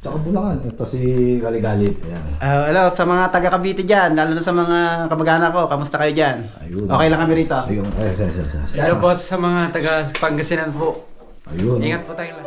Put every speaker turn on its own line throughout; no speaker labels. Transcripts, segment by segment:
Tsaka Bulacan. Ito si Galigalit. Ayan.
Hello sa mga taga Cavite dyan, lalo na sa mga kamag-anak ko. Kamusta kayo dyan?
Ayun.
Okay lang kami rito.
Ayun.
Hello po sa mga taga Pangasinan po.
Ayun.
Ingat po tayong lahat.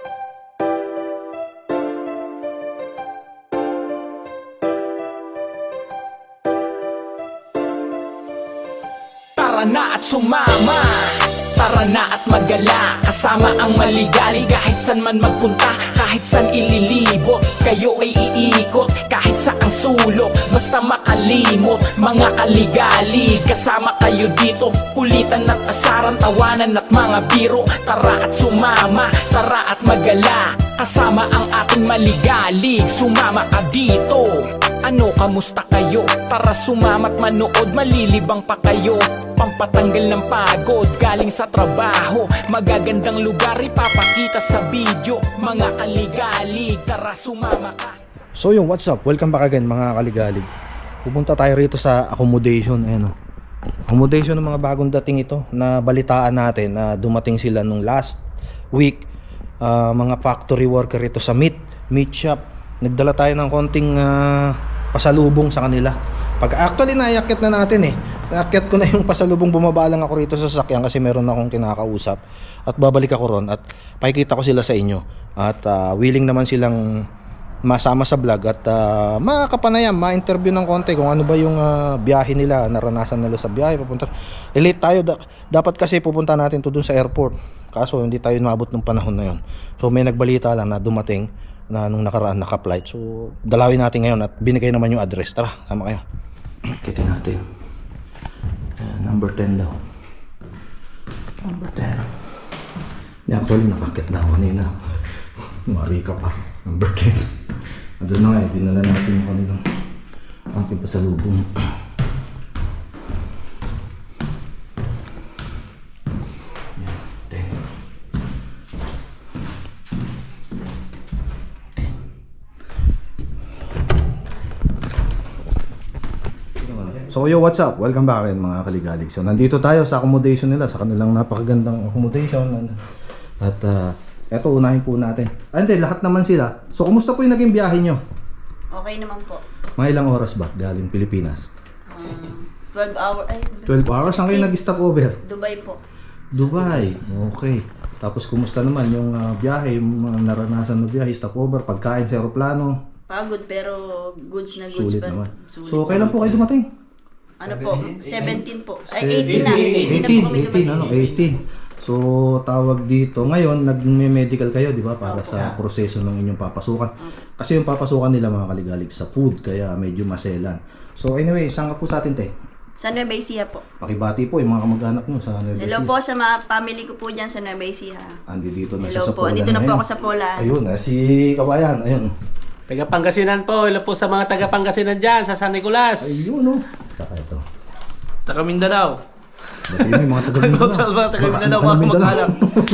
Tara na at sumama, tara na at magala, kasama ang maligali. Kahit san man magpunta, kahit san ililibot, kayo ay iikot kahit saang sulok, basta makalimot. Mga kaligali, kasama kayo dito, kulitan at asaran, tawanan at mga biro. Tara at sumama, tara at magala, kasama ang ating maligali. Sumama ka dito. Ano, kamusta kayo? Tara sumama't manood, malilibang pa kayo. Pampatanggal ng pagod, galing sa trabaho. Magagandang lugar, ipapakita sa video. Mga kaligalig, tara sumama ka.
So yung what's up? Welcome back again mga Kaligalig. Pupunta tayo rito sa accommodation. Ayan o. Accommodation ng mga bagong dating ito na balitaan natin na dumating sila nung last week. Mga factory worker ito sa meat shop. Nagdala tayo ng konting pasalubong sa kanila. Pag actually naiakyat na natin naiakyat ko na yung pasalubong, bumaba lang ako rito sa sasakyan kasi meron akong kinakausap at babalik ako ron at pakikita ko sila sa inyo at willing naman silang masama sa vlog at makakapanayam, ma-interview ng konti kung ano ba yung biyahe nila, naranasan nila sa biyahe papunta. Late tayo, dapat kasi pupunta natin to dun sa airport, kaso hindi tayo nabot ng panahon na yon. So may nagbalita lang na dumating na nung nakaraan naka-flight. So dalawin natin ngayon at binigay naman yung address. Tara, sama kayo. Kitin natin. Number 10 daw. Number 10. Actually nakakit na ako kanina. Marika pa. Number 10. Doon na nga dinala natin yung kanilang aking pasalubong. So yo, what's up? Welcome back again mga Kaligalig. So nandito tayo sa accommodation nila, sa kanilang napakagandang accommodation. At eto, unahin po natin. Hindi, lahat naman sila. So kumusta po yung naging biyahe nyo?
Okay naman po.
Mga ilang oras ba galing Pilipinas?
12 hours.
12 hours? Saan kayo nag-stop over?
Dubai po.
Dubai. Okay. Tapos kumusta naman yung biyahe, yung mga naranasan na biyahe, stop over, pagkain sa aeroplano?
Pagod pero goods na goods
Sulit
pa.
naman.
Sulit.
So kailan po kayo dumating?
Ano po? 17 po. Ay, 18 na. 18 na po kami
18, ano? 18. So, tawag dito. Ngayon, nag-medical kayo, di ba? Para sa proseso ng inyong papasukan. Kasi yung papasukan nila mga Kaligalig sa food, kaya medyo maselan. So, anyway, saan ka po sa atin, te?
Sa Nueva Ecija po.
Pakibati po yung mga kamag-anak nyo sa Nueva Ecija.
Hello po sa mga family ko po dyan sa Nueva Ecija.
Andi dito na
Hello
siya sa
po.
Poland.
Dito na po
ngayon.
ako sa Poland.
Ayun, si Kabayan. Ayun.
Taga Pangasinan po. Hello po sa mga taga Pangasinan dyan sa San Nicolas.
Ayun, no? Saka ito.
Taga Mindanao.
Dati yung mga taga-Mindanao.
Sa mga taga Mindanao, mga kamag-anak.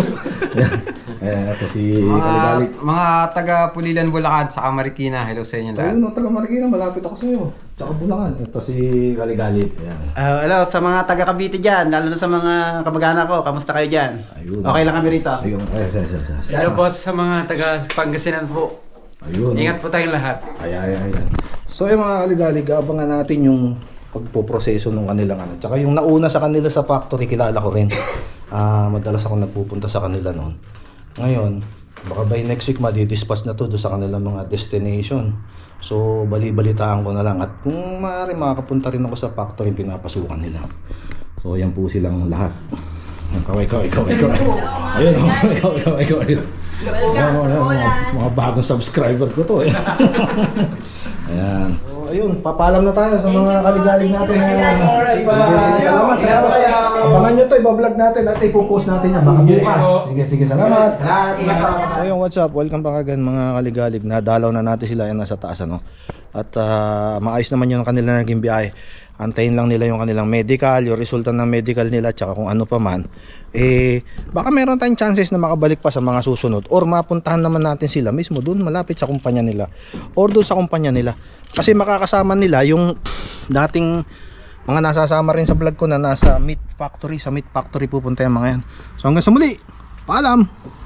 Ito si Kaligalig.
Mga taga Pulilan, Bulacan, saka Marikina. Hello sa inyo lahat.
Ayun, no, taga Marikina. Malapit ako sa iyo. Tsaka Bulacan. Ito si Kaligalig. Ayan.
Hello sa mga taga Cavite dyan, lalo na sa mga kamag-anak ko. Kamusta kayo dyan?
Ayun.
Okay lang kami rito.
Ayun.
Hello po sa mga taga Pangasinan po.
Ayun.
Ingat po tayong lahat.
Ayan. So yung mga Kaligalig, abangan natin yung pagpoproseso ng kanilang ano. Tsaka yung nauna sa kanila sa factory, kilala ko rin. Madalas ako nagpupunta sa kanila noon. Ngayon, baka by next week madi-dispatch na to do sa kanilang mga destination. So bali-balitaan ko na lang at kung maaari makakapunta rin ako sa factory pinapasukan nila. So yan po silang lahat. Ikaw. Ayun, ikaw. Mga bagong subscriber ko to. Ayan. So, ayun, papalam na tayo sa mga Kaligalig natin. Sige, salamat. Abangan nyo to, ibablog natin at ipopost natin yan. Baka bukas. Sige, salamat. Ayun, what's up? Welcome back again mga Kaligalig. Nadalaw na natin sila yan nasa taas. Ano? At maayos naman yung kanila naging biyahe. Antayin lang nila yung kanilang medical, yung resulta ng medical nila, tsaka kung ano pa man. Baka meron tayong chances na makabalik pa sa mga susunod. Or mapuntahan naman natin sila mismo doon malapit sa kumpanya nila. Or doon sa kumpanya nila. Kasi makakasama nila yung dating mga nasasama rin sa vlog ko na nasa meat factory. Sa meat factory pupunta yung mga yan. So hanggang sa muli, paalam!